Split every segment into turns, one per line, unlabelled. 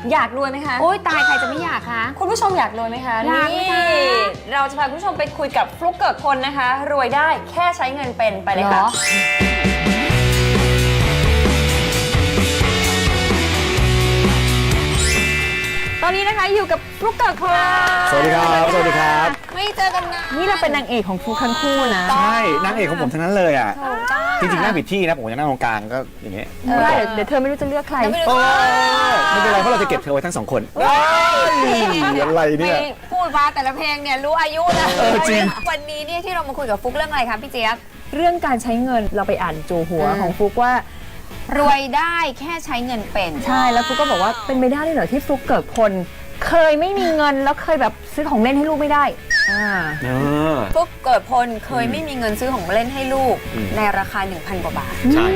อยากรวยไหมคะ
โอ๊ยตายใครจะไม่อยากคะ
คุณผู้ชมอยากรวยไหมคะ
อยาก
นี่
ค่ะ
เราจะพาคุณผู้ชมไปคุยกับฟลุกเกิดพลนะคะ รวยได้แค่ใช้เงินเป็นไปเลยค่ะ ตอนนี้นะคะอยู่กับฟลุกเกิดพล
สวัสดีครับ สวัสดีครับ
ไม่เจอกันนาน
นี่เราเป็นนางเอกของฟลุกทั้งคู่นะ
ใช่นางเอกของผมทั้งนั้นเลยอ่ะ
ถูกต้อง
จริงๆนั่งผิดที่นะผมจะนั่งตรงกลางก็อย่างเงี้ย
ได้เดี๋ยวเธอไม่รู้จะเลือกใคร
โอ้ไม่เป็นไรเพราะเราจะเก็บเธอไว้ทั้งสองคนอะไรเนี่ย
พูดมาแต่ละเพลงเนี่ยรู้อายุนะ
จริง
วันนี้เนี่ยที่เรามาคุยกับฟลุกเรื่องอะไรคะพี่เจี๊ยบ
เรื่องการใช้เงินเราไปอ่านจูหัวของฟลุกว่าร
วยได้แค่ใช้เงินเป็น
ใช่แล้วฟลุกก็บอกว่าเป็นไปได้ด้วยเหรอที่ฟลุกเกิดพลเคยไม่มีเงินแล้วเคยแบบซื้อของเล่นให้ลูกไม่ได้
เออ
ฟลุกเกิดพลเคยไม่มีเงินซื้อของเล่นให้ลูก
อืม
ในราคา 1,000 กว่าบาท
ใช่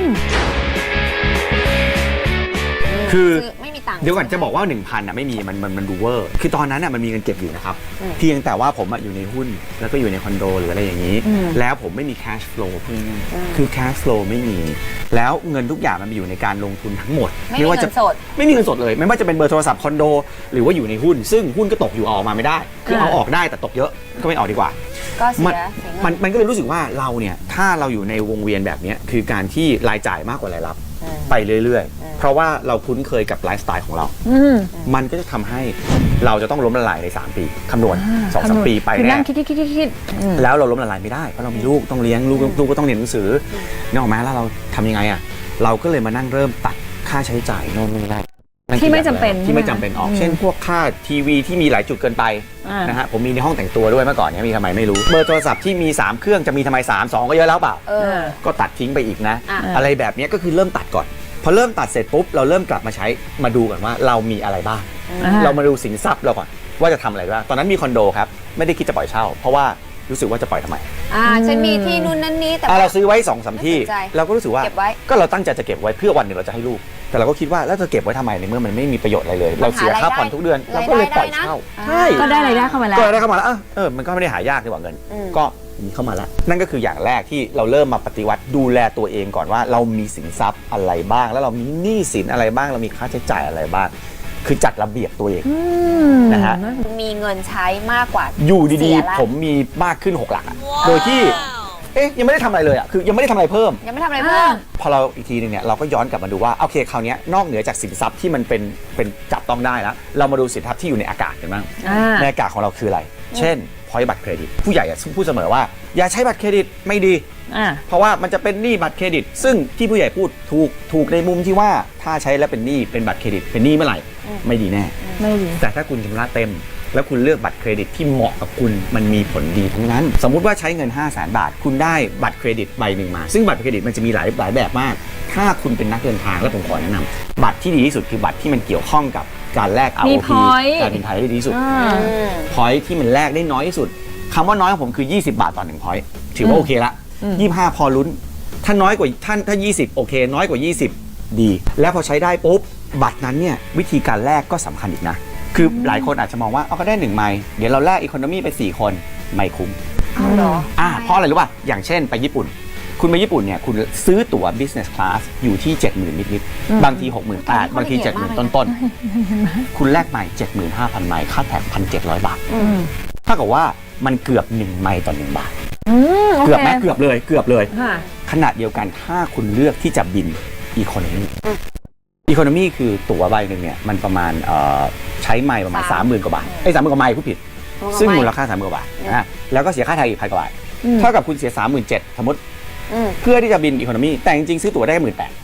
คือ
ไม่มีตังค์
เดี๋ยวก่อนจะบอกว่า 1,000อ่ะไม่มีมันดูเวอร์คือตอนนั้นอ่ะมันมีเงินเก็บอยู่นะครับ
อืม
เพียงแต่ว่าผมอ่ะอยู่ในหุ้นแล้วก็อยู่ในคอนโดหรืออะไรอย่างนี้ แล้วผมไม่มี cash flow เพื่อนคือ cash flow ไม่มี แล้วเงินทุกอย่างมันอยู่ในการลงทุนทั้งหมด
ไม่มี
ว่า
เงิ
จะ
นสด
ไม่มีเงินสดเลยไม่ว่าจะเป็นเบอร์โทรศัพท์คอนโด หรือว่าอยู่ในหุ้น ซึ่งหุ้นก็ตกอยู่เอาออกมาไม่ได้ คือเอาออกได้แต่ตกเยอะก็ไม่ออกดีกว่า
ก็เสี
มัน
ยเงิน
มันก็เลยรู้สึกว่าเราเนี่ยถ้าเราอยู่ในวงเวียนแบบนี้คือการที่รายจ่ายมากกว่ารายรับไปเรื่อยๆ เพราะว่าเราคุ้นเคยกับไลฟ์สไตล์ของเรา มันก็จะทำให้เราจะต้องล้มละลายใน3ปีคำนวณ2-3 ปีไป
คือ
แน่
นั่งคิด
แล้วเราล้มละลายไม่ได้เพราะเรามีลูกต้องเลี้ยงลูกก็ต้องเรียนหนังสือนึกออกไหมแล้วเราทำยังไงอ่ะเราก็เลยมานั่งเริ่มตัดค่าใช้จ่ายโน่นนี่นั่น
ที่ไม่จำเป็น
ที่ไม่จำเป็นออกเช่นพวกค่าทีวีที่มีหลายจุดเกินไปนะฮะผมมีในห้องแต่งตัวด้วยเมื่อก่อนเนี่ยมีทำไมไม่รู้เบอร์โทรศัพท์ที่มี3เครื่องจะมีทำไม3 2ก็เยอะแล้วเปล่า ก็ตัดทิ้งไปอีกนะ อะไรแบบนี้ก็คือเริ่มตัดก่อนพอเริ่มตัดเสร็จปุ๊บเราเริ่มกลับมาใช้มาดูก่อนว่าเรามีอะไรบ้างเรามาดูสินทรัพย์เราก่อนว่าจะทำอะไรบ้างตอนนั้นมีคอนโดครับไม่ได้คิดจะปล่อยเช่า เพราะว่ารู้สึกว่าจะปล่อยทำไม
ฉันมีที่นู่นนั่นนี้แต่
เราซื้อไว้2-3 ที่
ไม่สนใจ
เราก็รู้สึกว่า
เก็บไว้
ก็เราตั้งใจจะเก็บไว้เพื่อวันหนึ่งเราจะให้ลูกแต่เราก็คิดว่าแล้วจะเก็บไว้ทำไมในเมื่อมันไม่มีประโยชน์อะไรเลย เราเสียค่าผ่อนทุกเดือนเราก็เลยปล่อยเช่าใช่
ก็ได้รายได้เข้ามาแล้ว
ก็ได้เข้ามาแล้วมันก็ไม่ได้หายากดีกว่าเงิน ก็มีเข้ามาแล้ว นั่นก็คืออย่างแรกที่เราเริ่มมาปฏิวัติดูแลตัวเองก่อนว่าเรามีสินทรัพย์อะไรบ้าง แล้วเรามีหนี้สินอะไรบ้างเรามีค่าใช้จ่ายอะไรบ้าง คือจัดระเบียบตัวเองนะฮะ
มีเงินใช้มากกว่า
อยู่ดี
เสียละ
ๆผมมีมากขึ้น6 หลักอะโดยที่ยังไม่ได้ทำอะไรเลยอะคือยังไม่ได้ทำอะไรเพิ่ม
ยังไม่ทำอะไรเพิ่ม
พอเราอีกทีนึงเนี่ยเราก็ย้อนกลับมาดูว่าโอเคคราวนี้นอกเหนือจากสินทรัพย์ที่มันเป็นจับต้องได้แล้วเรามาดูสินทรัพย์ที่อยู่ในอากาศกันบ้างในอากาศของเราคืออะไร เช่นพอยต์บัตรเครดิตผู้ใหญ่พูดเสมอว่าอย่าใช้บัตรเครดิตไม่ดีเพราะว่ามันจะเป็นหนี้บัตรเครดิต ซึ่งที่ผู้ใหญ่พูดถูกในมุมที่ว่าถ้าใช้แล้วเป็นหนี้เป็นบัตรเครดิตเป็นหนี้เมื่อไหร่ไม่ดีแน่
ไม่ดี
แต่ถ้าคุณชำระเต็มแล้วคุณเลือกบัตรเครดิตที่เหมาะกับคุณมันมีผลดีทั้งนั้น สมมุติว่าใช้เงิน 500,000 บาท คุณได้บัตรเครดิตใบหนึ่งมาซึ่งบัตรเครดิตมันจะมีหลายแบบมากถ้าคุณเป็นนักเดินทางแล้วผมขอแนะนำบัตรที่ดีที่สุดคือบัตรที่มันเกี่ยวข้องกับการแลก
มี
ROP
point
การบินไทยได้ดีที่สุดพอยที่มันแลกได้น้อยที่สุดคำว่าน้อยของผมคือ20 บาทต่อ1พอยถือว่าโอเคละ25พอลุ้นถ้าน้อยกว่าถ้า20โอเคน้อยกว่า20ดีแล้วพอใช้ได้ปุ๊บบัตรนั้นเนี่ยวิธีการแลกก็สำคัญอีกนะคือหลายคนอาจจะมองว่าก็ได้1ไมล์เดี๋ยวเราแลกอีโคโนมี่ไป4คนไม่คุ้ม
เหรอ
เพราะอะไรรู้ป่ะอย่างเช่นไปญี่ปุ่นคุณไปญี่ปุ่นเนี่ยคุณซื้อตั๋ว business class อยู่ที่ 70,000 นิดๆบางที 68,000 บางที 70,000 ต้นๆคุณแลกไมล์ 75,000 ไมล์ค่าแท็ก 1,700 บาทถ้ากับว่ามันเกือบ1ไมล์ต่อ1บาทเกือบไหมเกือบเลยขณะเดียวกันถ้าคุณเลือกที่จะบินอีโคโนมี่คือตั๋วใบหนึ่งเนี่ยมันประมาณใช้ไมล์ประมาณ 30,000 กว่าบาท30,000 กว่าไมล์ผู้ผิดซึ่งมูลค่า 30,000 กว่าบาทแล้วก็เสียค่าไทยอีก 1,000 กว่าบาทเท่ากับคุณเสีย 37,000 สมมติเพื่อที่จะบินอีโคโนมี่แต่จริงๆซื้อตั๋วได้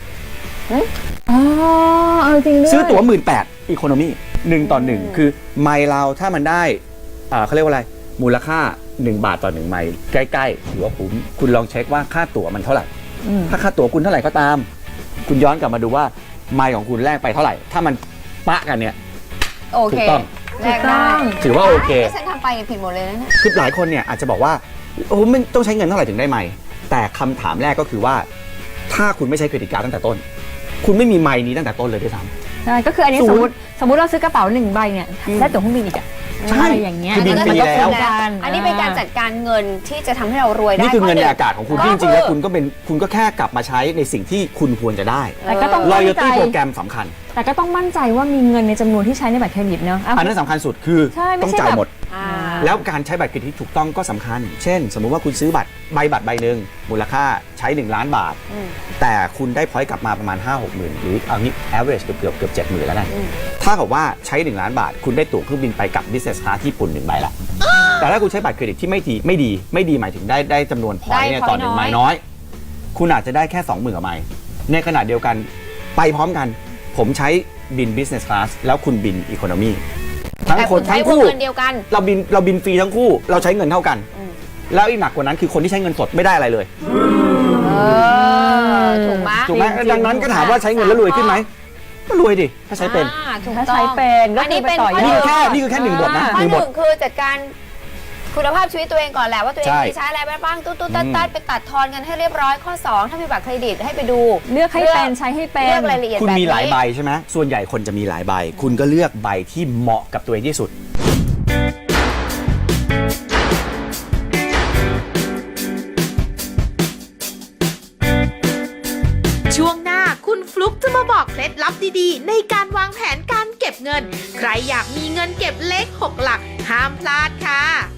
18,000
จริงด้วย
ซื้อตั๋ว 18,000 อีโคโนมี่1 ต่อ 1คือไมล์เราถ้ามันได้เขาเรียกว่าอะไรมูลค่า1 บาทต่อ1ไมล์ใกล้ๆถือว่าคุ้มคุณลองเช็คว่าค่าตั๋วมันเท่าไหร่ถ้าค่าตั๋วคุณเท่าไหร่ก็ตามคุณย้อนกลับมาดูว่าไมล์ของคุณแลกไปเท่าไหร่ถ้ามันปะกันเนี่ย
โอเค
ถูกต้อง
แลกได้
ถือว่าโอเค
ฉันทำไปผิดหมดเลยนะเนี่ย
คือหลายคนเนี่ยอาจจะบอกว่าโอ้ไม่ต้องใช้เงินเท่าไหร่ถึงได้ไมล์แต่คำถามแรกก็คือว่าถ้าคุณไม่ใช้เครดิตการ์ดตั้งแต่ต้นคุณไม่มีไมล์นี้ตั้งแต่ต้นเลยด้วยซ้ำ
ใช่ก็คืออันนี้สมมติเราซื้อกระเป๋า1 ใบเนี่ยได้ตั๋วเครื่องบินอีก
ใช่
อะไรอย่างเงี้ย
คือบินฟรีแล้ว
อันนี้เป็นการจัดการเงินที่จะทำให้เรารวยได้
นี่คือเงินใน
ข้
อากาศของคุณ
ก็
ที่จริงๆแล้วคุณก็แค่กลับมาใช้ในสิ่งที่คุณควรจะได้
แต่ก็ต้องมั่นใจ
loyalty โปรแกรมสำคัญ
แต่ก็ต้องมั่นใจว่ามีเงินในจำนวนที่ใช้ในบัตรเครดิตเนาะ
อันนั้นสำคัญสุดคือ
ใช่ไม่
ต้อง
ใช่
จ่าย
แบบ
หมด
อ่า
แล้วการใช้บัตรเครดิตที่ถูกต้องก็สำคัญ เช่น สมมุติว่าคุณซื้อบัตรใบหนึ่งมูลค่าใช้1ล้านบาท แต่คุณได้พอยต์กลับมาประมาณ 5-6 หมื่นหรือเอางี้ average เกือบ70,000แล้วกันถ้ากับว่าใช้1ล้านบาท คุณได้ตั๋วเครื่องบินไปกับ business class ที่ญี่ปุ่น1ใบละแต่ถ้าคุณใช้บัตรเครดิตที่ไม่ดีหมายถึงได้จำนวนพอยต์เนี่ยต่อ1ไมล์น้อย คุณอาจจะได้แค่ 20,000 ไมล์ในขณะเดียวกันไปพร้อมกันผมใช้บิน business class แล้วคุณบิน economy ทั้ง
แต่
คน
ใช้
ทั้ง
วง
คู่
เงินเดียวกัน
เราบินฟรีทั้งคู่เราใช้เงินเท่ากัน แล้วอีกหนักกว่านั้นคือคนที่ใช้เงินสดไม่ได้อะไรเลย
ถูกไหม
ถูกไหมดังนั้นก็ถามว่าใช้เงินแล้วรวยขึ้นไหมก็รวยดิถ้าใช้เป็น
ถูก
ถ้า
ต้อง
ใช้เป็นก็
อัน
คื
นี้
อไป
เป็น
ต่อยอด
นี่คือแค่หนึ่งบทนะ
ข้อ
หนึ่ง
ห
บท
นึ่งคือจัดการคุณภาพชีวิตตัวเองก่อนแหละว่าตัวเอง
ใช่
มีใช้อะไรไปบ้างตุ๊ดตัดไปตัดทอนกันให้เรียบร้อยข้อ 2 ถ้ามีบัตรเครดิตให้ไปดู
เลือกให้เป็นใช้ให้เป็น
เลือกรายละเอียด
คุณ
แบบ
มี
นี้
หลายใบใช่ไหมส่วนใหญ่คนจะมีหลายใบ คุณก็เลือกใบที่เหมาะกับตัวเองที่สุด
ช่วงหน้าคุณฟลุกจะมาบอกเคล็ดลับดีๆ ในการวางแผนการเก็บเงิน ใครอยากมีเงินเก็บเลข6 หลัก ห้ามพลาดค่ะ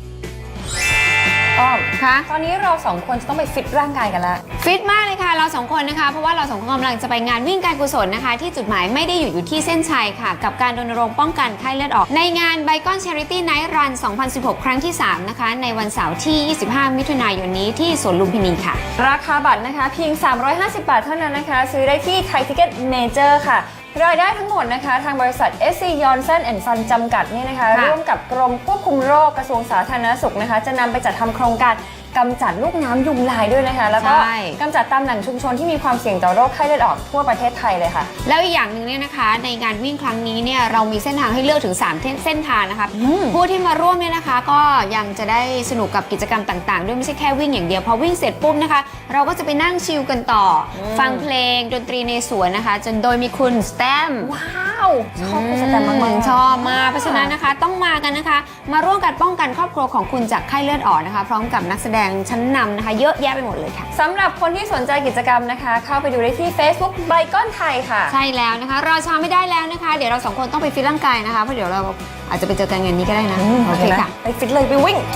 อ้อม
คะ
ตอนนี้เราสองคนจะต้องไปฟิตร่างกายกันแล้ว
ฟิตมากเลยค่ะเราสองคนนะคะเพราะว่าเราสองคนกำลังจะไปงานวิ่งการกุศลนะคะ ที่จุดหมายไม่ได้อยู่ที่เส้นชัยค่ะ กับการรณรงค์ป้องกันไข้เลือดออก ในงาน Bicon Charity Night Run 2016 ครั้งที่ 3 นะคะ ในวันเสาร์ที่ 25 มิถุนายนนี้ที่สวนลุมพินีค่ะ
ราคาบัตรนะคะเพียง 350 บาทเท่านั้นนะคะ ซื้อได้ที่ไทยทิเก็ตเมเจอร์ค่ะ รายได้ทั้งหมดนะคะ ทางบริษัท SC Johnson Son จำกัดเนี่ยนะคะ
ค่ะ
ร่วมกับกรมควบคุมโรคกระทรวงสาธารณสุขนะคะ จะนำไปจัดทำโครงการกำจัดลูกน้ำยุงลายด้วยนะคะ แล้วก็
ใช่
กำจัดตามแหล่งชุมชนที่มีความเสี่ยงต่อโรคไข้เลือดออกทั่วประเทศไทยเลยค่ะ
แล้วอีกอย่างหนึ่งเนี่ยนะคะในงานวิ่งครั้งนี้เนี่ยเรามีเส้นทางให้เลือกถึง 3 เส้นทางนะคะผู้ที่มาร่วมเนี่ยนะคะก็ยังจะได้สนุกกับกิจกรรมต่างๆ ด้วยไม่ใช่แค่วิ่งอย่างเดียวพอวิ่งเสร็จปุ๊บนะคะเราก็จะไปนั่งชิลกันต่ออฟังเพลงดนตรีในสวนนะคะจนโดยมีคุณสแตม
ว้าวชอบคุณสแตมมากๆ
ชอบมากเพราะฉะนั้นนะคะต้องมากันนะคะ มาร่วมกันป้องกันครอบครัวของคุณจากไข้เลือดออกนะคะ พร้อมกับนักแสดงชั้นนำนะคะ เยอะแยะไปหมดเลยค่ะ
สำหรับคนที่สนใจกิจกรรมนะคะ เข้าไปดูได้ที่ Facebook ไบคอนไทยค่ะ
ใช่แล้วนะคะรอช้าไม่ได้แล้วนะคะ เดี๋ยวเราสองคนต้องไปฟิตร่างกายนะคะเพราะเดี๋ยวเราอาจจะไปเจอกันงานนี้ก็ได้นะโอเคค่ะ
ไปฟิตเลยไปวิ่ง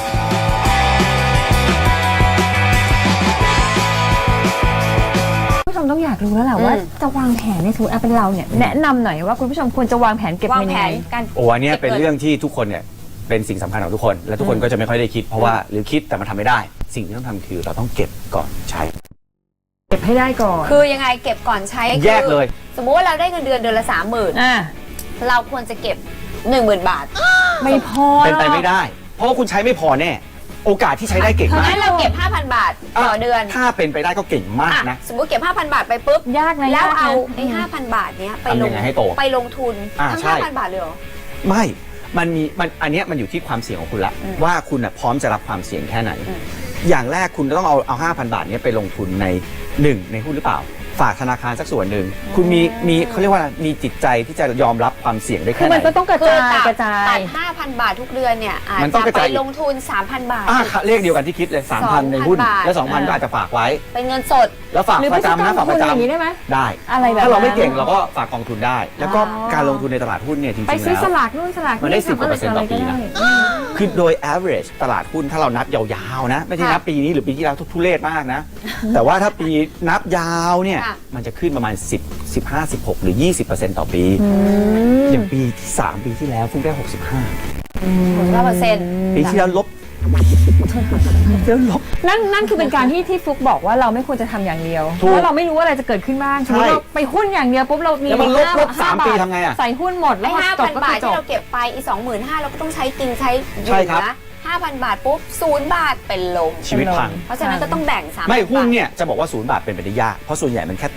ผู้ชมต้องอยากรู้แล้วแหละว่าจะวางแผนในสมมติเป็นเราเนี่ยแนะนำหน่อยว่าคุณผู้ชมควรจะวางแผนเก็บ
วาง
เงิน
แผ
ยัง
น
ไง
การ
โอ้อันเนี้ยเป็นเรื่องที่ทุกคนเนี่ยเป็นสิ่งสำคัญของทุกคน และทุกคนก็จะไม่ค่อยได้คิด เพราะว่าหรือคิดแต่มันทำไม่ได้ สิ่งที่ต้องทำคือเราต้องเก็บก่อนใช้
เก็บให้ได้ก่อน
คือยังไงเก็บก่อนใช้
แยกเลย
สมมุติว่าเราได้เงินเดือนละ 30,000เราควรจะเก็บ 10,000 บาท
ไม่พอ
เป็นไปไม่ได้ เพราะว่าคุณใช้ไม่พอแน่ โอกาสที่ใช้ได้เก่งมาก
งั้นเราเก็บ 5,000 บาทต่อเดือน
ถ้าเป็นไปได้ก็เก่งมากนะ
สมมุติเก็บ 5,000 บาทไปปุ๊บ
ยากนะ
แล้ว
ยกนะ
เอาไอ้ 5,000 บาทเนี้ยไปล
ทำยังไงให้โต
ไปลงทุนทั้ง
ใช่
5,000 บาทเลยเหรอ
ไม่มันอันเนี้ยมันอยู่ที่ความเสี่ยงของคุณละว่าคุณน่ะพร้อมจะรับความเสี่ยงแค่ไหน อย่างแรกคุณต้องเอา 5,000 บาทเนี้ยไปลงทุนในหุ้นหรือเปล่า ฝากธนาคารสักส่วนหนึ่งคุณมีเขาเรียกว่ามีจิตใจที่จะยอมรับความเสี่ยงได้
คื
แค่
อ
ไหน
มันก็ต้องกระ
คือ
จายกระจา
ตั
ย
ด 5,000 บาททุกเดือนเนี่ยอาจ
มันต้องก
จะ
ระ
ไป
จาย
ลงทุน 3,000 บาท
เลขเดียวกันที่คิดเลย 3,000 ในหุ้น
บาท
แล้ว 2,000 ก็อาจจะฝากไว้
เป็นเงินสด
แล้วฝาก
หรือ
ประจำนะ
ไปซื้อก
ฝากประ
องทุนอย่างนี้
จำ
ได้ไหม
ได้
อะไรแบบนั้น
ถ้าเราไม่เก่งเราก็ฝากกองทุนได้ แล้วก็
อ๋อ
การลงทุนในตลาดหุ้นเนี่ยจริงๆ
ไปซื้อ
แล้ว
สลากนู่นสลาก
มันได้
ทำ
10% ต่อปีนะ คือโดย average ตลาดหุ้นถ้าเรานับยาวๆนะ ไม่ใช่นับปีนี้หรือปีที่แล้วทุเรศมากนะ แต่ว่าถ้าปีนับยาวเนี่ย
ค่ะ
มันจะขึ้นประมาณ 10 15 16 หรือ 20% ต่อปี อย่างปีที่ 3 ปีที่แล้วเพิ่งได้
9%
ปีที่แล้วลบแล้วลบ
นั่นคือเป็นการที่ฟลุกบอกว่าเราไม่ควรจะทำอย่างเดียว
ถูก
เพราะเราไม่รู้ว่าอะไรจะเกิดขึ้นบ้างสมมติเราไปหุ้นอย่างเดียวปุ๊บเรามี
แล้วมันลบ
ห้า
3 ปี
บาท
ทำไงอ่ะ
ใส่หุ้นหมดแล้
ไอ้
วพอจบ
5,000
ก็
บาท
คือจ
ที่
บ
เราเก็บไปอีก 25,000เราก็ต้องใช้กินใช้อ
ใช่
ยู่
ครับ
นะ 5,000 บาทปุ๊บ0 บาทเป็นลม
ชีวิตพัง
เพราะฉะนั้นก็ต้องแบ่ง3,000
ไม่หุ้น
บาท
เนี่ยจะบอกว่า0 บาทเป็นไปได้ยาก เพราะส่วนใหญ่มันแค่ตก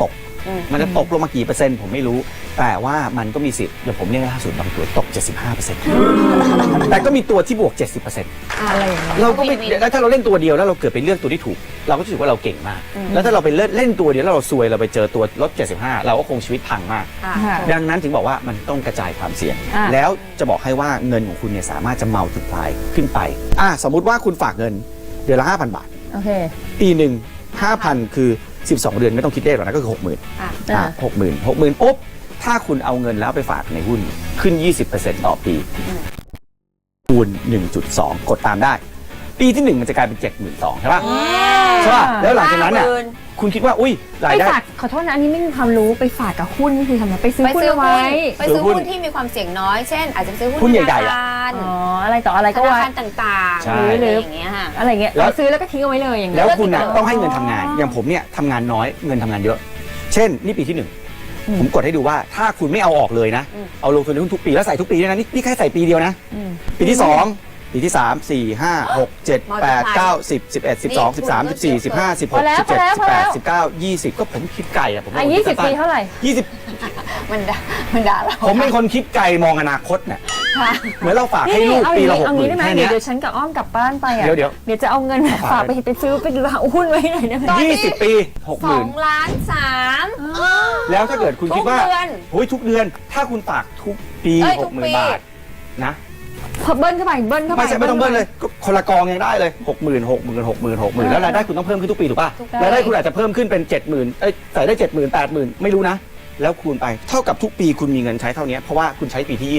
มันจะตกลงมากี่เปอร์เซ็นต์ผมไม่รู้แต่ว่ามันก็มีสิทธิ์อย่างผมเนี่ยล่าสุดบางตัวตก 75% แต่ก็มีตัวที่บวก 70%
อะไรอย่างเงี้ย
เราก็ไม่แล้วถ้าเราเล่นตัวเดียวแล้วเราเกิดไปเลือกตัวที่ถูก เราก็รู้สึกว่าเราเก่งมาก แล้วถ้าเราไปเล่นตัวเดียวแล้วเราซวยเราไปเจอตัวลด 75 เราก็คงชีวิตพังมาก
ค่ะ
ดังนั้นถึงบอกว่ามันต้องกระจายความเสี่ยง แล้วจะบอกให้ว่าเงินของคุณเนี่ยสามารถจะมัลติพลายขึ้นไปสมมุติว่าคุณฝากเงินเดือนละ 5,000 บาท
โอเค
ปีหนึ่ง 5,000 คือ 12 เดือนไม่ต้องคิดเลขหรอกนะก็คือ 60,000 60,000 ปุ๊บถ้าคุณเอาเงินแล้วไปฝากในหุ้นขึ้น 20% ต่อปีคูณ 1.2 กดตามได้ ปีที่ 1 มันจะกลายเป็น 72,000 ใช่ป่ะใช่ป่ะแล้วหลังจากนั้นน่ะคุณคิดว่าอุ้ยราย
ไป
ได้
ฝากขอโทษนะอันนี้ไม่มีความรู้ไปฝากกับหุ้นนี่คือทำไไมไปซื้อ
ไป
หุ้น
ซื้อ
เอา
หุ้
ไว้
นไปซื้อหุ้นที่มีความเสี่ยงน้อย เช่น อาจจะซื้อหุ้น
หุ้นใหญ่
ธ
ๆ
นา
อะ
คาร
อ๋ออะไรต่ออะไร
ธ
ก็
นา
ไว้
คารต่าง
ใช่
ๆอะไรอย่างเงี้ยค่ะ
อะไรเงี้ย
แล้ว
ซื้อแล้วก็ทิ้งเอาไว้เลยอย่างเงี้
แล้
ยว
คุณน่ะต้องให้เงินทำงาน อย่างผมเนี่ยทำงานน้อยเงินทำงานเยอะ เช่นนี่ปีที่ 1 ผมกดให้ดูว่าถ้าคุณไม่เอาออกเลยนะ เอาลงทุนในหุ้นทุกปีแล้วใส่ทุกปีด้วยนะนี่แค่ใส่ปีเดียวนะ ปีที่ 2 ปีที่ 3 4 5 6 7 8 9 10 11 12 13 14 15 16 17 18 19 20 ก็ผมคิดไก่อะผม
20 ปีเท่าไหร่
20
มันด่าเรา
ผมเป็นคนคิดไกลมองอนาคตเนี่ยเหมือนเราฝากให้ลูกปีละ
เอางี้ได้
60,000
ไหม
แค่
เดี๋
เนี้
ยวย เดี๋ยวฉันกับอ้อมกลับบ้านไปอ่ะ
เดี๋ยว
เดี๋ยวจะเอาเงินฝากไปซื้อไปหุ้นไว้ไหนได้ไหม
20 ปี 60,000
2.3 ล้าน
แล้วถ้าเกิดคุณคิดว่า
ทุกเดือน
โอ้ยทุกเดือนถ้าคุณฝากทุกปี
ทุกปี
60,000 บาทนะ
พอเบิ้ลเข้าไปเบิ้ลเข้าไป
ไม่ใช่ไม่ต้องเบิ้ลเลยก็คนละกองยังได้เลย 60,000 แล้วรายได้คุณต้องเพิ่มขึ้นทุกปีถูกป่ะรายได้คุณอาจจะเพิ่มขึ้นเป็น 70,000ใส่ได้ 70,000 80,000 ไม่รู้นะ แล้วคูณไปเท่ากับทุกปีคุณมีเงินใช้เท่านี้เพราะว่าคุณใช้ปีที่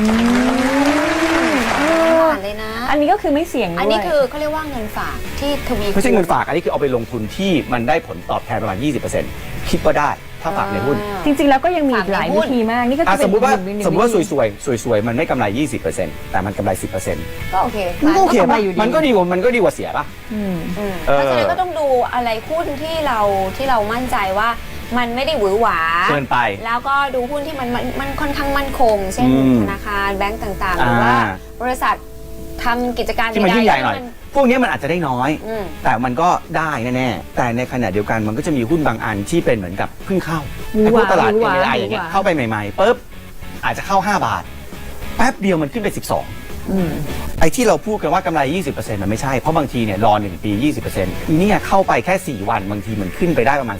เลยนะ
อันนี้ก็คือไม่เสี่ยงด้วย
อันนี้คือเขาเรียกว่าเงินฝากที่ทวี
20 ไม่ใช่เงินฝากอันนี้คือเอาไปลงทุนที่มันได้ผลตอบแทนประมาณ 20%คิดว่าได้ถ้าฝากในหุ้น
จริงๆแล้วก็ยังมีอีกหลายวิธีมากนี่ก็คือ
สมมติว่า
เป็น
สมมติว่าสวยๆมันไม่กำไร 20%แต่มันกำไร 10%
ก็โอเค
มันก็โอเค
มันก็กำไร
ป่ะ
อยู่ดี
มันก็ดีกว่าเสียป่ะ
เพราะฉะนั้นก็ต้องดูอะไรหุ้นที่เรามั่นใจว่ามันไม่ได้หวือหวา
เกินไป
แล้วก็ดูหุ้นที่มันค่อนข้างมั่นคง เช่น ธนาคารแบงก์ต่างๆหรือว่าบริษัททำกิจการ
ที่มันยิ่งใหญ่หน่อย พวกนี้มันอาจจะได้น้อย
อืม
แต่มันก็ได้แน่ๆแต่ในขณะเดียวกันมันก็จะมีหุ้นบางอันที่เป็นเหมือนกับเพิ่งเข้า
หวือ
ไอ้
ห
พว
วาก
ตลาด
หวือหวา
AI อย่างเงี้ย
หวือหวา
เข้าไปใหม่ๆปุ๊บอาจจะเข้า 5 บาท แป๊บเดียวมันขึ้นไป 12 ไอ้ที่เราพูดกันว่ากำไร 20% มันไม่ใช่ เพราะบางทีเนี่ยรอ 1 ปี 20%อีเนี่ยเข้าไปแค่ 4 วันบางทีมันขึ้นไปได้ประมาณ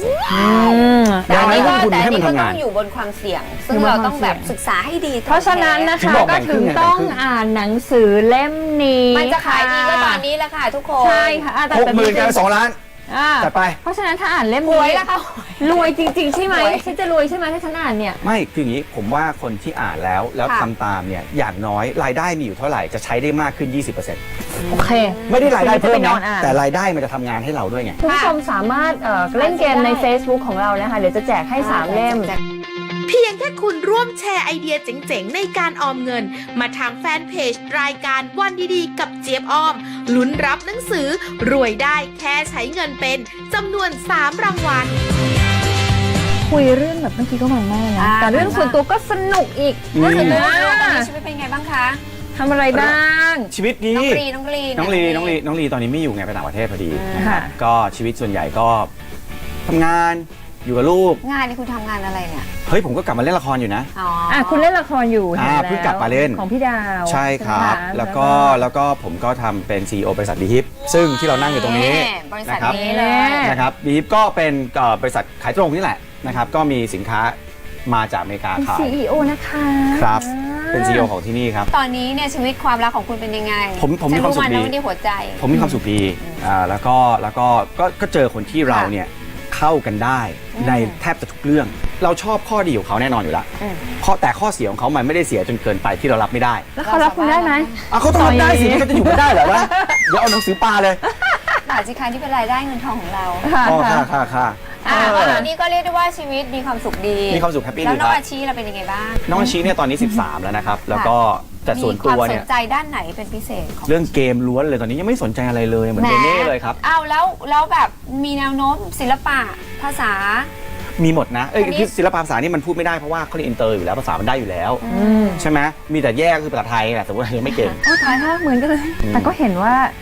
40%
แต่อันนี้ก็
ดังนั้นลงทุน
แต่อั
ให้
น
มัน
นี้ก็
ทำ
ต้
งา
อน งอยู่บนความเสี่ยง ซึ่ง
อยู่บน
เราต้อง
ความเสี่
แบ
ยง
บศึกษาให้ดี
เพราะฉะนั้นนะ
ถึง
คะ
บอกแบ่
ก็
งครึ่
ถึง
งไง
ต้อง
แบ่งครึ่ง
อ่านหนังสือเล่มนี้
มันจะขายดีก็ตอนนี้แหละค่ะทุกคน
ใช่ค่ะแต่
60,000กัน2 ล้าน
อ่า
จัดไป
เพราะฉะนั้นถ้าอ่านเล่ม
หวย
นี้
แล้วค่ะ
รวยจริง ๆ ใช่ไหม
หวย
ฉันจะรวยใช่ไหมถ้าฉันอ่านเนี่ย
ไม่คืออย่างนี้ผมว่าคนที่อ่านแล้ว
ค่ะ
ทำตามเนี่ยอย่างน้อยรายได้มีอยู่เท่าไหร่จะใช้ได้มากขึ้น 20%
โอเค
ไม่ได้รายได้เพิ่ม
จะไปนอ
นะ
นอ่าน
แต่รายได้มันจะทำงานให้เราด้วยไง
คุณผู้ชมสามารถเล่นเกมใน Facebook ของเรานะคะ เดี๋ยวจะแจกให้ 3 เล่ม
เพียงแค่คุณร่วมแชร์ไอเดียเจ๋งๆ ในการออมเงิน มาทางแฟนเพจรายการวันดีๆ กับเจี๊ยบออม ลุ้นรับหนังสือ รวยได้แค่ใช้เงินเป็นจำนวน 3 รางวัล
คุยเรื่องแบบเมื่อกี้ก็มันมากนะ
อ่า
แต่เรื่องส่วนตัวก็สนุกอีก
อืม
ก็คือ
แล้ว
ว่า
ตอนนี้ชีวิตเป็นไงบ้างคะ
ทำอะไรบ้าง
ชีวิตดี
น้องลี
น้องลีตอนนี้ไม่อยู่ไงไปต่างประเทศพอดีนะครับ
ค่ะ
ก็ชีวิตส่วนใหญ่ก็ทำงานอยู่กับลูก
งานนี่คุณทำงานอะไรเนี่ย
เฮ้ยผมก็กลับมาเล่นละครอยู่นะ
อ๋อ
คุณเล่นละครอยู่เห็นแล้ว
เพิ่งกลับมาเล่น
ของพี่ดาว
ใช่ครับ
ไหมะ
แล้วก็ผมก็ทำเป็น CEO บริษัทบีฮิปซึ่งที่เรานั่งอยู่ตรงนี้
บริษัท
นะครับ
นี้เลย
นะครับบีฮิปก็เป็นบริษัทขายตรงนี่แหละนะครับก็มีสินค้ามาจากอเมริกา
เป็น
ขาย
CEO นะคะ
ครับ
อ่า
เป็น CEO ของที่นี่ครับ
ตอนนี้เนี่ยชีวิตความรักของคุณเป็นยังไง
ผมมีความสุขดี
ฉันรู้นที่หัวใจ
ผมมีความสุขดีแล้วก็เจอคนที่เราเนี่ยเข้ากันได้ในแทบจะทุกเรื่อง เราชอบข้อดีของเขาแน่นอนอยู่แล้ว
อืม
แต่ข้อเสียของเขามันไม่ได้เสียจนเกินไปที่เรารับไม่ได้
แล้วเขารับคุณได้ไหม
เขาต้องรับได้สิเขาจะอยู่กันได้เหรอวะเดี๋ยวเอาหนังสือปลาเลย
ด่าสิคะที่เป็นรายได้เงินทองของเรา
ค่ะ
อ๋อ
ค่ะ
ค่ะ
ตอนนี้ก็เรียกได้ว่าชีวิตมีความสุขดี
มีความสุขแฮปปี้
แล้ว
ดี
น้อง
ครับ
อาชีเราเป็นยังไงบ้าง
น้องอาชีเนี่ยตอนนี้ 13 แล้วนะครับ แล้วก็แต่ส่วน
มีค
ตัว
วามส
เนี่
น
ย
ใจด้านไหนเป็นพิเศษของ
เรื่องเกมล้วนเลยตอนนี้ยังไม่สนใจอะไรเลยเหมือนเบเน่เลยครับ
อ้าวแล้วแบบมีแนวโน้มศิลปะภาษา
มีหมดนะ
อันนี้
คือศิลปะภาษานี่มันพูดไม่ได้เพราะว่าเขาเรียนอินเตอร์อยู่แล้วภาษามันได้อยู่แล้ว
อืม
ใช่ไหมมีแต่แย่ก็คือภาษาไทยแหละแต่ว่ายังไม่เก่ง
โอ้ตายค่ะเหมือนกันเลย แต่ก็เห็นว่า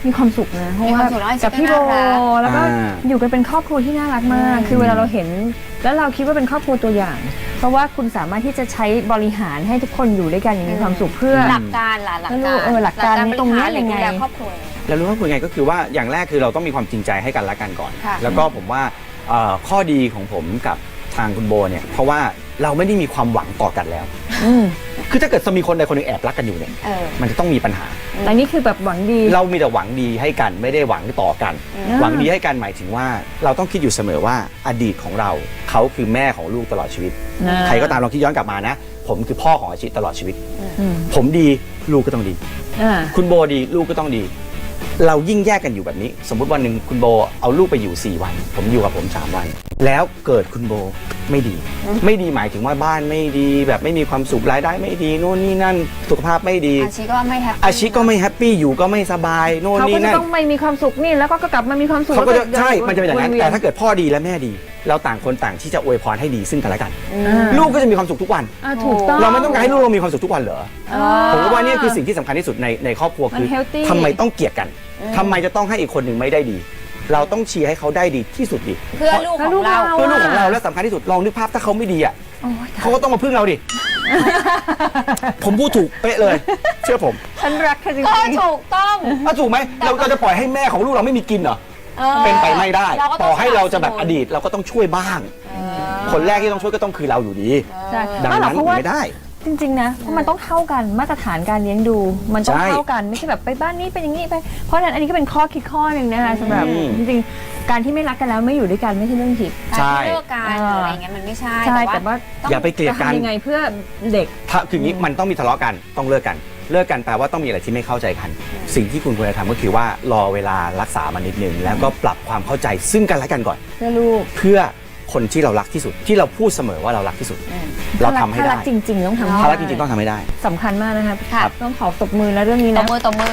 มีความสุขนะเพราะว่า
มีความสุขแล้ว
กับพี่โบ
น่ารัก
แล้วก็
อ่า
อยู่กันเป็นครอบครัวที่น่ารักมาก คือเวลาเราเห็นแล้วเราคิดว่าเป็นครอบครัวตัวอย่าง เพราะว่าคุณสามารถที่จะใช้บริหารให้ทุกคนอยู่ด้วยกันอย่างมีความสุขเพื่อ
หลักการล่ะหลักการ
หลักการตรงเนี้ย
บหา
ยังไง
ดูแลครอบครัว
แล้วรู้ว่าคุณไงก็คือว่าอย่างแรกคือเราต้องมีความจริงใจให้กันและกันก่อน
ค่ะ
แล้วก็ผมว่าข้อดีของผมกับทางคุณโบเนี่ยเพราะว่าเราไม่ได้มีความหวังต่อกันแล้ว
อืม
คือถ้าเกิดจะมีคนใดคนหนึ่งแอบรักกันอยู่เนี่ย
เออ
มันจะต้องมีปัญหา
แต่นี่คือแบบหวังดี
เรามีแต่หวังดีให้กันไม่ได้หวังต่อกัน หวังดีให้กันหมายถึงว่าเราต้องคิดอยู่เสมอว่าอดีตของเราเขาคือแม่ของลูกตลอดชีวิต ใครก็ตามลองคิดย้อนกลับมานะ ผมคือพ่อของอาชิตลอดชีวิต
อืม
ผมดีลูกก็ต้องดี
อ่า
คุณโบดีลูกก็ต้องดี เรายิ่งแยกกันอยู่แบบนี้ สมมุติวันหนึ่งคุณโบเอาลูกไปอยู่4วัน ผมอยู่กับผม3วัน แล้วเกิดคุณโบไม่ดี ไม่ดีหมายถึงว่าบ้านไม่ดี แบบไม่มีความสุขรายได้ไม่ดีโน่นนี่นั่นสุขภาพไม่ดี
อาชีก็ไม่แฮปปี้
อาชีพก็ไม่แฮปปี้อยู่ก็ไม่สบายโน่น
เขาก็
นี่
จะ
นั่น
ต้องไม่มีความสุขนี่แล้วก็กลับมามีความสุข
เขาก็จะ
แล้ว
ใช่มันจะเป็นอย่างนั้น
วๆ
แต่ถ้าเกิดพ่อดีและแม่ดี เราต่างคนต่างที่จะอวยพรให้ดีซึ่งกันและกัน
อ่า
ลูกก็จะมีความสุขทุกวัน
อ่าถูกต้อง
เราไม่ต้องการให้ลูกเรามีความสุขทุกวันเหรอ
อ๋อ
ผมว่านี่คือสิ่งที่สำคัญที่สุดในครอบครัว
มัน
คือ
healthy
ทำไมต้องเกลียดกันทำไมจะต้องให้อีกคนหนึ่งไม่ได้ดี เราต้องเชียร์ให้เขาได้ดีที่สุดดิ
เพื่อลูกของเรา
เพื่อลูกของเราและสำคัญที่สุดลองนึกภาพถ้าเขาไม่ดีอ่ะ
โอ้ย
เขาก็ต้องมาพึ่งเราดิ ผมพูดถูกเป๊ะเลย เชื่อผม
ฉันรักเธอจริง
ก็
ๆ
ถูกต้อง
ถูกไหมเราจะปล่อยให้แม่ของลูกเราไม่มีกินเหรอ เป็นไปไม่ได้
เราก็ต้อง
ต่อให้เราจะแบบ
สนับสนุน
อดีตเราก็ต้องช่วยบ้าง คนแรกที่ต้องช่วยก็ต้องคือเราอยู่ดี
ใช่
ดัง
ไม่หรอก
นั้น
เพราะว่า
ไม่ได้
จริงๆนะเพราะมันต้องเท่ากันมาตรฐานการเลี้ยงดู มันต้อง
ใช่
เท่ากันไม่ใช่แบบไปบ้านนี้เป็นอย่างนี้ไปเพราะฉะนั้นอันนี้ก็เป็นข้อคิดข้อหนึ่งนะคะสำหรับ
อืม
จริงๆการที่ไม่รักกันแล้วไม่อยู่ด้วยกันไม่ใช่เรื่องผิด
การ
ใช่
ที่เลิกกันหรืออะไรเงี้ยมันไม่ใช่
ใช่แต่ว่า
ต้อง
อย่าไปเกลียด
จะ
กัน
ทำยังไงเพื่อเด็ก
ถ้าคืออย่างนี้มันต้องมีทะเลาะกันต้องเลิกกันเลิกกันแปลว่าต้องมีอะไรที่ไม่เข้าใจกัน สิ่งที่คุณควรจะทำก็คือว่ารอเวลารักษามันนิดนึงแล้วก็ปรับความเข้าใจซึ่งกันและกันก่อน
เพื่อลูก
เพื่อคนที่เรารักที่สุดที่เราพูดเสมอว่าเรารักที่สุด เราทำให้
ถ้า
ได้
รักจริงๆต้องทำให้
ถ้ารักจริงๆต้องทำให้ได้
สำคัญมากนะครับ
ค่ะ
ต้องขอตบมือแล้วเรื่องนี้
ต
นะ
บมือตบมือ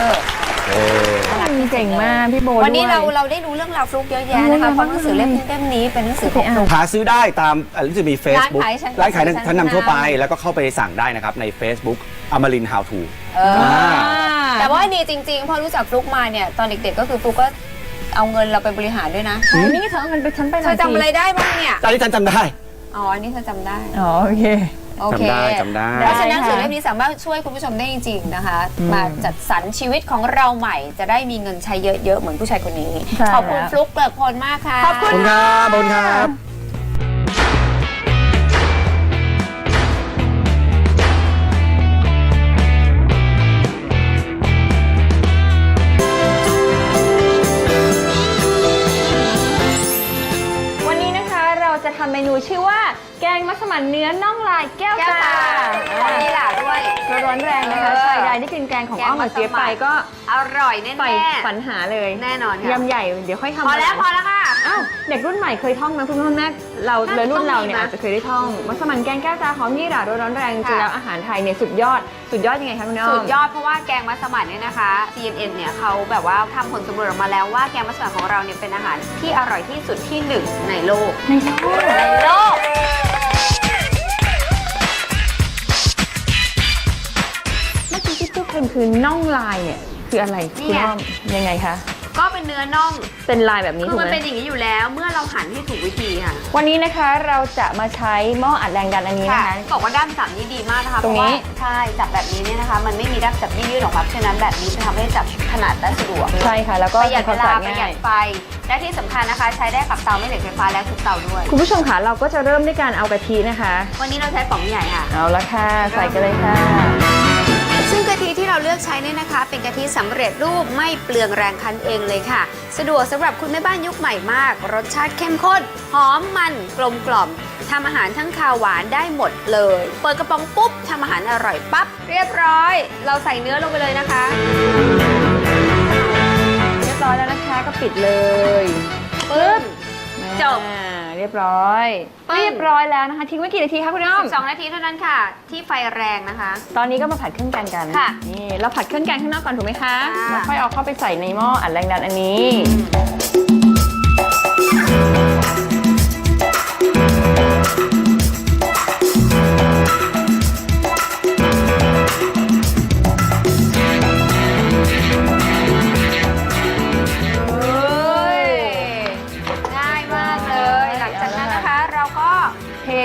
เก่งมากพี่โบ
วันนี้
ด้วย
เราได้รู้เรื่องราวฟลุกเยอะแยะนะคะเพราะหนังสือเล่มนี้เป็นหนังสือของฟลุก
หาซื้อได้ตามรู้สึกมี Facebook
ร้านขายชั้น
ร้านขายชั้นนำทั่วไป
ชั้นนำ
แล้วก็เข้าไปสั่งได้นะครับใน Facebook Amarin How to
แต่ว่าดีจริงๆพอรู้จักฟลุกมาเนี่ยตอนเด็กๆก็คือฟลุกก็เอาเงินเราไปบริหารด้วยนะ
ใช่นี่เธอเอาเงินไปฉันไปห
เธ
น่อ
อย จำอะไรได้บ้างเนี่ย
ตอนนี้ฉันจำได้
อ๋ออันนี้เธอจำได้
อ๋อโอเค
โอเค
จำได้
เพราะฉะนั้นหนังสือ
ได้ค่ะ
เล่มนี้สามารถช่วยคุณผู้ชมได้จริงๆนะคะ มาจัดสรรชีวิตของเราใหม่ จะได้มีเงินใช้เยอะๆเหมือนผู้ชายคนนี้
ใช่
ขอบคุณ
แล้ว
ฟลุกเกลิกพลมากค่ะ
ขอบคุณ
ขอบคุณครับขอบคุณครับ
วันนี้นะคะเราจะทำเมนูชื่อว่าแกงมัสมั่นเนื้อน่องลายแก้ว
แก้ว
ตา
ตาวันนี้ล่ะด้วย
ร้อนแรงนะคะชายใดที่กินแกงของอ้อมกับเจี๊ยบไปก็
อร่อยแน่
ใฝ่ฝันหาเลย
แน่นอนค่ะ
ยำใหญ่เดี๋ยวค่อยทำ
พอแล้วพอแล้วค่ะ
อ้าวเด็กรุ่นใหม่เคยท่องไหมคุณพ่อแม่เราเลยรุ่นเราเนี่ย
ต้องมีนะ
อาจจะเคยได้ท่องมัสมั่นแกงแก้วตาหอมยี่หร่าร้อนแรงจริงๆแล้วอาหารไทยเนี่ยสุดยอดยังไงคะคุณอ้อม
สุดยอดเพราะว่าแกงมัสมั่นเนี่ยนะคะ CNN เนี่ยเขาแบบว่าทำผลสำรวจออกมาแล้วว่าแกงมัสมั่นของเราเนี่ยเป็นอาหารที่อร่อยที่สุดที่หนึ่งในโลก
ในโลก เมื่อกี้ที่พูดเป็นคือน่องลายเนี่ยคืออะไร
นี่
คุณ
ไง
อ้อมยังไงคะ
ก็เป็นเนื้อน่อง
เป็นลายแบบนี้
คื
ถู
อก มัน
ไหม
เป็นอย่างนี้อยู่แล้วเมื่อเราหั่นให้ถูกวิธีค่ะ
วันนี้นะคะเราจะมาใช้หม้ออัดแรงดันอันนี้นะคะ
บอกว่าด้ามจับนี่ดีมากนะคะ
ตรงนี้
เพาะว่าใช่จับแบบนี้เนี่ยนะคะ มันไม่มีด้ามจับยืดๆออกมาเพราะฉะนั้นแบบนี้จะทำให้จับขนาดและสะดวก
ใช่ค่ะ แล้วก็
ประหยัดเวลา
ทำควม
ประ
สะ
หยั
อา
ด
ด
ไฟและที่สำคัญนะคะ ใช้ได้กับเตาไม่เหล็กไฟฟ้าและทุกเตาด้วย
คุณผู้ชมค่ะเราก็จะเริ่มด้วยการเอากะทินะคะ
วันนี้เราใช้ป๋องใหญ่ค่ะ
เอาละค่ะใส่กันเลยค่ะ
ซึ่งกะทิที่เราเลือกใช้เนี่ยนะคะ เป็นกะทิสำเร็จรูปไม่เปลืองแรงคั้นเองเลยค่ะ สะดวกสำหรับคุณแม่บ้านยุคใหม่มาก รสชาติเข้มข้น หอมมันกลมกล่อมทำอาหารทั้งคาวหวานได้หมดเลย เปิดกระป๋องปุ๊บทำอาหารอร่อยปั๊บเรียบร้อย เราใส่เนื้อลงไปเลยนะคะ
เรียบร้อยแล้วนะคะก็ปิดเลย
ปึ๊บ จบ
อ่าเรียบร้อย
ปึ้ง
เรียบร้อยแล้วนะคะทิ้งไว้กี่นาทีคะคุณอ้อม
12 นาทีเท่านั้นค่ะ ที่ไฟแรงนะคะ
ตอนนี้ก็มาผัดเครื่องแกงกัน
ค่ะ
นี่เราผัดเครื่องแกงข้างนอกก่อนถูกไหมคะ
ค่ะ
แล้วค่อยเอาเข้าไปใส่ในหม้ออัดแรงดันอันนี้
น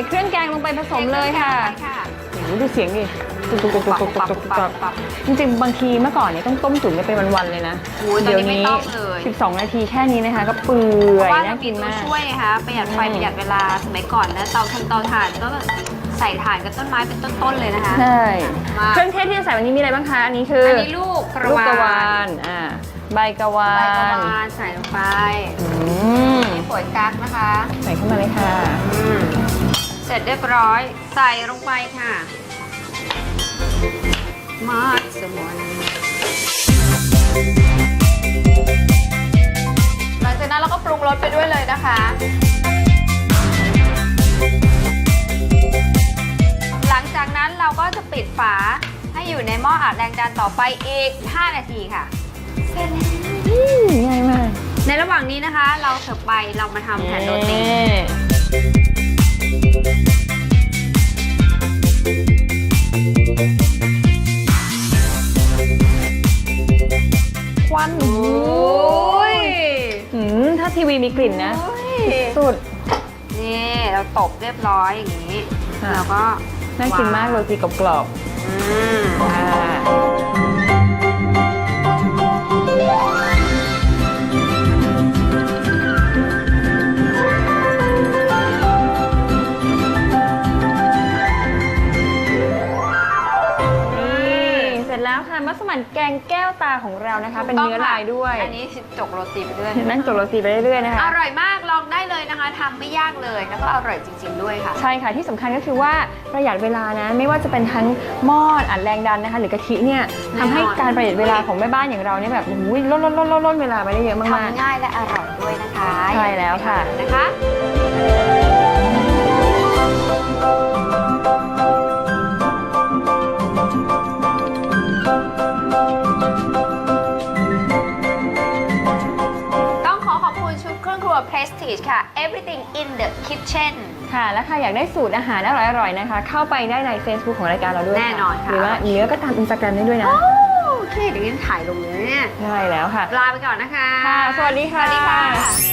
เครื่องแกงลงไปผสมเลยค่ะ
ไปค่ะ
โอ้โหดูเสียงดิตุกตุกตุกตุกตุกตุกตุกจริงๆบางทีเมื่อก่อนเนี่ยต้องต้มตุ๋นกันเป็นวันๆเลยนะ
โอ้ยตอนนี้ไม่ต้องเลย
12 นาทีแค่นี้นะคะ ก็เปื่
เพ
อย
ราะว่า
น่า
เรา
กิ
มี
น
ตัว
มาก
ช่วยนะคะประหยัดไฟประหยัดเวลาสมัยก่อนนะเตาถ่านก็แบบใส่ถ่านกับต้นไม้เป็นต้นๆเลยนะคะ
ใช่
มา
เครื่องเทศที่จะใส่วันนี้มีอะไรบ้างคะ อันนี้คือ
อั
อั
นนี้ลูกกระ
ลูก
วาก
ระวา
าน
ใบกระวา
ใบกระ
น
วานใส่ลงไป
อืม
นี่ป่วยกั๊กนะคะ
ใส่เข้ามาเลยค่ะ
เสร็จเรียบร้อยใส่ลงไปค่ะมัสมั่นหลังจากนั้นเราก็ปรุงรสไปด้วยเลยนะคะ หลังจากนั้นเราก็จะปิดฝาให้อยู่ในหม้ออัดแรงดันต่อไปอีก 5 นาทีค่ะ เสร็จแล้ว
ง่ายมาก
ในระหว่างนี้นะคะ เราเสิร์ฟไปเรามาทำแผ่นโรตี
ควัน
โอ้ย
ถ้าทีวีมีกลิ่นนะ สุด
นี่เราตบเรียบร้อยอย่างนี้
ค่ะ
แล้วก็
น่ากินมากโรตีกรอบ
อืม
ๆค่ะ เสร็จแล้วค่ะมัสมั่นแกงแก้วตาของเรานะคะ เป็นเนื้อลายด้วย
อันนี้จกโรตีไปด้วย
นั่งจกโรตีไปเรื่อยๆนะคะ
อร่อยมากลองได้เลยนะคะทำไม่ยากเลยแล้วก็อร่อยจริง ๆ ด้วยค่ะ
ใช่ค่ะที่สำคัญก็คือว่าประหยัดเวลานะ ไม่ว่าจะเป็นทั้งหม้ออัดแรงดันนะคะ หรือกะทิเนี่ย
แน่นอน
ทำให้การประหยัดเวลาของแม่บ้านอย่างเราเนี่ยแบบโอ้ยลดเวลาไปได้เยอะมาก
ทำง่ายและอร่อยด้วยนะคะ
ใช่แล้วค่ะ
นะคะ ต้องขอขอบคุณชุดเครื่องครัว Prestige ค่ะ Everything in the Kitchen
ๆค่ะ และค่ะอยากได้สูตรอาหารอร่อยๆนะคะ เข้าไปได้ใน Facebook ของรายการเราด้วย
แน่นอนค่ะ
หรือว่าเนื้อก็ตาม Instagram ได้ด้วยนะ
โอเคเดี๋ยวนี้ถ่ายลงเลยเนี่ย
ใช่แล้วค่ะ
ลาไปก่อนนะคะ
ค่ะ สวัสดีค่ะ
สวัสดีค่ะ